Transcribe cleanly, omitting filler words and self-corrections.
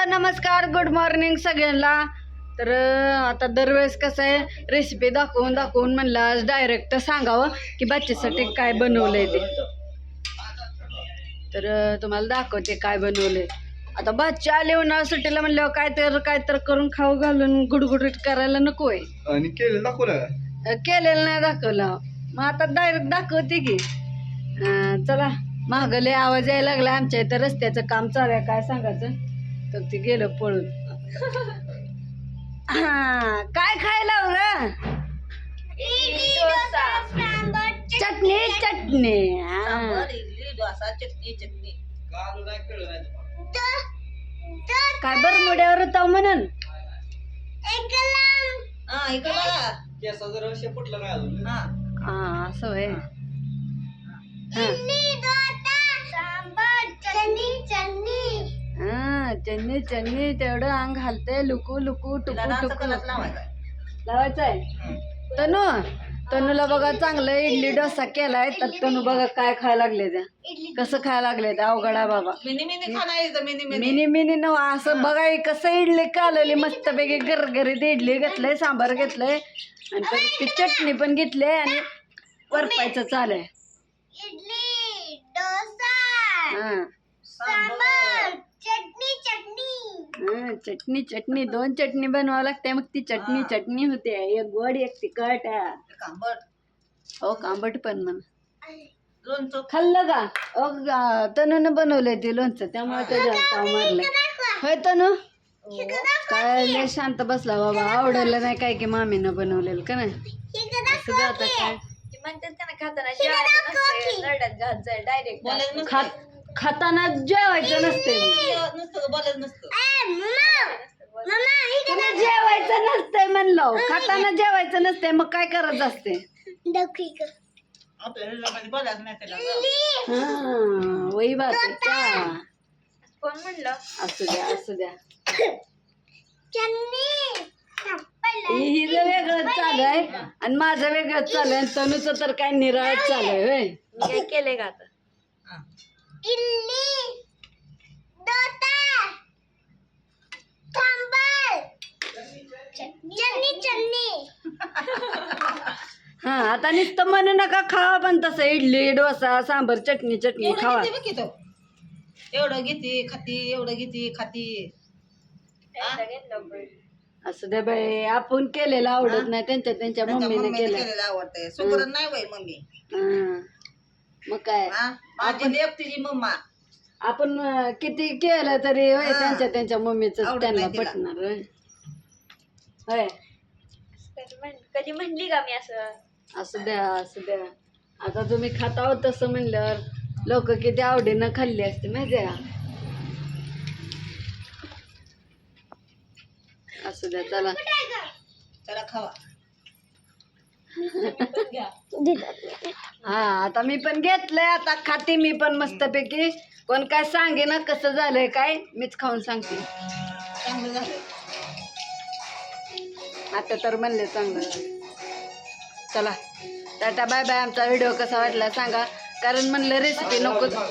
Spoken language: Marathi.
नमस्कार, गुड मॉर्निंग सगळ्यांना. तर आता दरवेळेस कसं आहे, रेसिपी दाखवून म्हणलं आज डायरेक्ट सांगावं की बच्चेसाठी काय बनवलंय ते. तर तुम्हाला दाखवते काय बनवलंय. आता बच्चे आले उन्हाळ्या सुट्टीला म्हणल्यावर काय तर करून खाऊ घालून गुडगुडीत करायला नको आहे. आणि केलेलं नाही दाखवलं, मग आता डायरेक्ट दाखवते की. चला, महागले आवाज यायला लागला. आमच्या इथं रस्त्याचं काम चालू आहे, काय सांगायचं. तर ते गेलं पळून. काय खायला हो? चटणी चटणी. काय बरमुड्यावर होता म्हणून. असं होय. चटणी चटणी तेवढं अंग घालते. लुकू लुकू टुकू टुकू लावायचंय. तनूला बघा चांगलं इडली डोसा केलाय. तर तनू बघा काय खायला लागले त्या, कसं खायला लागले त्या. अवघडा बाबा. मिनी मिनी नव असं बघा कसं इडली कालवली मस्त पैकी गरगरीत इडली घेतलंय, सांबार घेतलंय आणि परत ती चटणी पण घेतली आणि वरपायचं चालू आहे. चटणी चटणी दोन चटणी बनवावं लागते, मग ती चटणी चटणी होते. एक गोड एक तिखट. हो, कांबट पण म्हणा. खाल्लं का? तनून बनवलंय ते लोणचं, त्यामुळे त्याच्या ताव मारलंय. होय तनू, काय लय शांत बसला बाबा. आवडलं नाही काय की मामीनं बनवलेलं का नाही. असं आता काय खाताना जेवायचं नसते. जेवायचं नसतंय म्हणलं, खाताना जेवायचं नसते. मग काय करत असते? वही बात आहे का? कोण म्हणलं? असू द्या असू द्या. हिचं वेगळंच चालू आहे आणि माझं वेगळंच चालू आहे. तनूचं तर काय निराळच चालू आहे. होय, काय केलंय का आता? हा, आता नुसतं म्हणू नका खावा, पण तसं इडली डोसा सांबर चटणी चटणी खावा. एवढं घेते खाती, एवढं घेते खाती. असं दे बाई, आपण केलेलं आवडत नाही, त्यांच्या मम्मीने केलं आवडतंय. सुगरण नाही बाई मम्मी. मग काय, माझी लेक तिची मम्मा. आपण किती केलं तरी होय त्यांच्या मम्मीच त्यांना पटणार. होय होय, कधी म्हणली का मी असं? असू द्या असू द्या. आता तुम्ही खाता आहोत तसं म्हणल्यावर लोक किती आवडीनं खाल्ली असते माहिती आहे का. असू द्या, चला चला खावा. हा, आता मी पण घेतलंय, आता खाते मी पण मस्तपैकी. कोण काय सांगे ना कसं झालंय काय, मीच खाऊन सांगते. चांगलं झालं. आता तर म्हणले चांगलं झालं. चला टाटा बाय बाय. आमचा व्हिडिओ कसा वाटला सांगा, कारण म्हणलं रेसिपी नको